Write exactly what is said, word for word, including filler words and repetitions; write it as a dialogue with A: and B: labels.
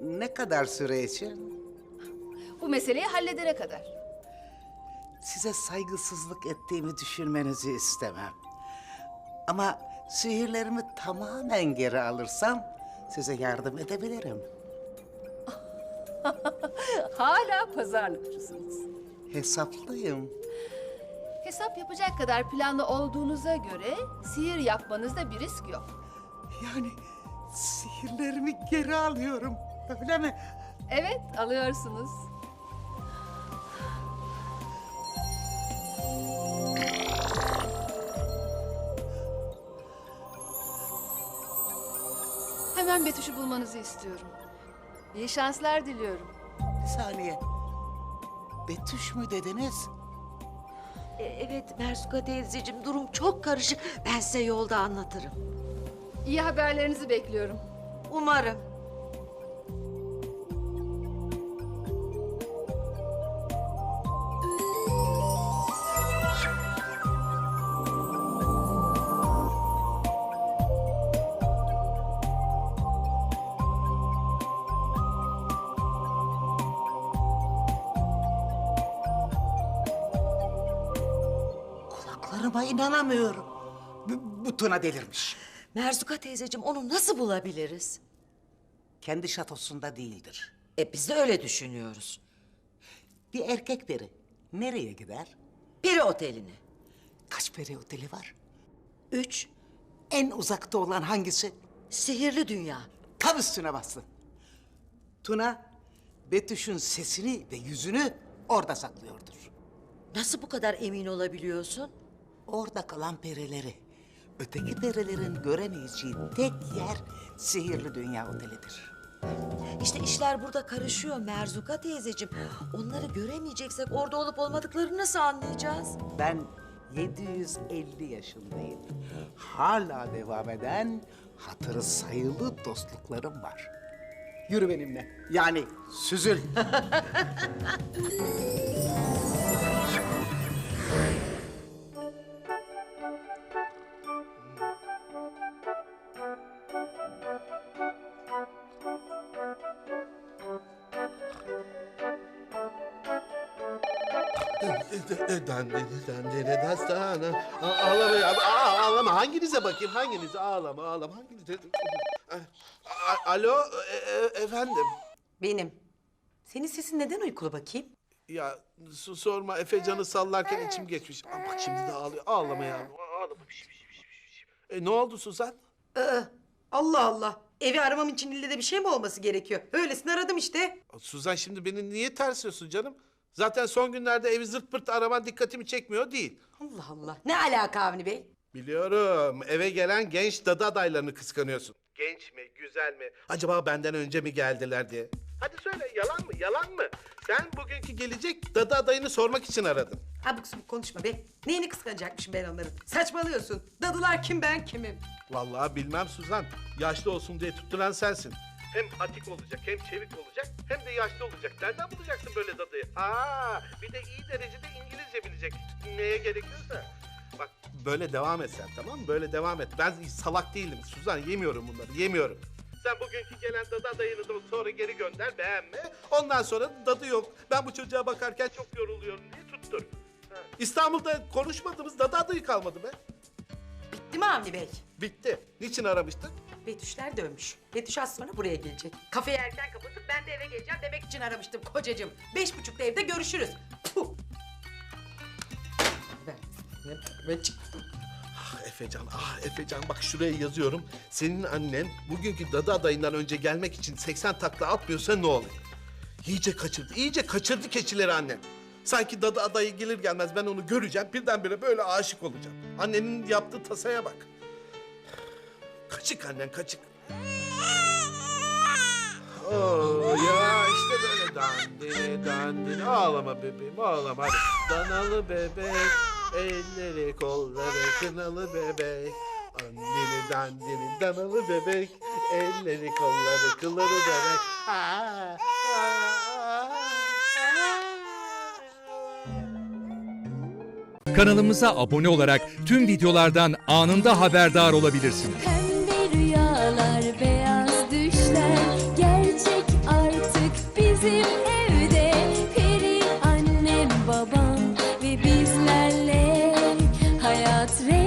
A: Ne kadar süre için?
B: Bu meseleyi halledene kadar.
A: Size saygısızlık ettiğimi düşünmenizi istemem. Ama sihirlerimi tamamen geri alırsam size yardım edebilirim.
B: Hala pazarlıkçısınız.
A: Hesaplıyım.
B: Hesap yapacak kadar planlı olduğunuza göre sihir yapmanızda bir risk yok.
A: Yani sihirlerimi geri alıyorum, öyle mi?
B: Evet, alıyorsunuz. Hemen Betüş'ü bulmanızı istiyorum. İyi şanslar diliyorum.
A: Bir saniye. Betüş mü dediniz?
C: E, evet Mersuka teyzeciğim, durum çok karışık. Ben size yolda anlatırım.
B: İyi haberlerinizi bekliyorum.
C: Umarım.
A: Kulaklarıma inanamıyorum. Bu, bu Tuna delirmiş.
C: Mersuka teyzeciğim, onu nasıl bulabiliriz?
A: Kendi şatosunda değildir.
C: E biz de öyle düşünüyoruz.
A: Bir erkek peri nereye gider?
C: Peri oteline.
A: Kaç peri oteli var?
C: Üç,
A: En uzakta olan hangisi?
C: sihirli dünya.
A: Tam üstüne bastın. Tuna, Betüş'ün sesini ve yüzünü orada saklıyordur.
C: Nasıl bu kadar emin olabiliyorsun?
A: Orada kalan perileri, öteki perilerin göremeyeceği tek yer sihirli dünya otelidir.
C: İşte işler burada karışıyor Merzuka teyzeciğim. Onları göremeyeceksek orada olup olmadıklarını nasıl anlayacağız?
A: Ben yedi yüz elli yaşındayım. Hala devam eden hatırı sayılı dostluklarım var. Yürü benimle. Yani süzül.
D: Dandini dandini dastana. A- Ağlama ya, a- ağlama. Hanginize bakayım, hanginize? Ağlama, ağlama. Hanginize? A- Alo, e- e- efendim.
E: Benim. Senin sesin neden uykulu bakayım?
D: Ya su sorma, Efecan'ı sallarken içim geçmiş. Aa, bak şimdi de ağlıyor. Ağlama ya. Ağlama. Piş, piş, piş, piş, piş. E, ne oldu Suzan?
E: Aa, Allah Allah. Evi aramam için ille de bir şey mi olması gerekiyor? Öylesine aradım işte.
D: Suzan, şimdi beni niye tersliyorsun canım? Zaten son günlerde evi zırt pırt araman dikkatimi çekmiyor değil.
E: Allah Allah. Ne alaka Avni Bey?
D: Biliyorum. Eve gelen genç dadı adaylarını kıskanıyorsun. Genç mi, güzel mi? Acaba benden önce mi geldiler diye. Hadi söyle, yalan mı, yalan mı? Sen bugünkü gelecek dadı adayını sormak için aradın.
E: Abuk subuk konuşma be. Neyini kıskanacakmışım ben onların? Saçmalıyorsun. Dadılar kim, ben kimim?
D: Vallahi bilmem Suzan. Yaşlı olsun diye tutturan sensin. Hem atik olacak, hem çevik olacak, hem de yaşlı olacak. Nereden bulacaksın böyle dadıyı? Ha, bir de iyi derecede İngilizce bilecek. Neye gerekiyorsa. Bak, böyle devam et sen, tamam mı? Böyle devam et. Ben salak değilim Suzan, yemiyorum bunları, yemiyorum. Sen bugünkü gelen dadı adayını da sonra geri gönder, beğenme. Ondan sonra dadı yok. Ben bu çocuğa bakarken çok yoruluyorum diye tuttur. Ha. İstanbul'da konuşmadığımız dadı adayı kalmadı be.
E: Bitti mi Avni Bey?
D: Bitti. Niçin aramıştın?
E: Betüşler dönmüş. Betüş az sonra buraya gelecek. Kafeyi erken kapatıp ben de eve geleceğim demek için aramıştım kocacığım. Beş buçukta evde görüşürüz. Puh. Ben, ben, ben çıktım.
D: Ah Efecan, ah Efecan, bak şuraya yazıyorum. Senin annen bugünkü dadı adayından önce gelmek için seksen takla atmıyorsa ne olur? İyice kaçırdı, iyice kaçırdı keçileri annen. Sanki dadı adayı gelir gelmez ben onu göreceğim, birdenbire böyle aşık olacağım. Annenin yaptığı tasaya bak. Kaçık annen, kaçık. Oo, ya işte böyle dandini dandini. Ağlama bebeğim, ağlama hadi. Danalı bebek, elleri kolları kınalı bebek. Andini dandini danalı bebek, elleri kolları kılları bebek. Aa, aa,
F: Kanalımıza abone olarak tüm videolardan anında haberdar olabilirsiniz.
G: Pembe rüyalar, beyaz düşler gerçek evde peri annem babam ve bizlerle hayat rengi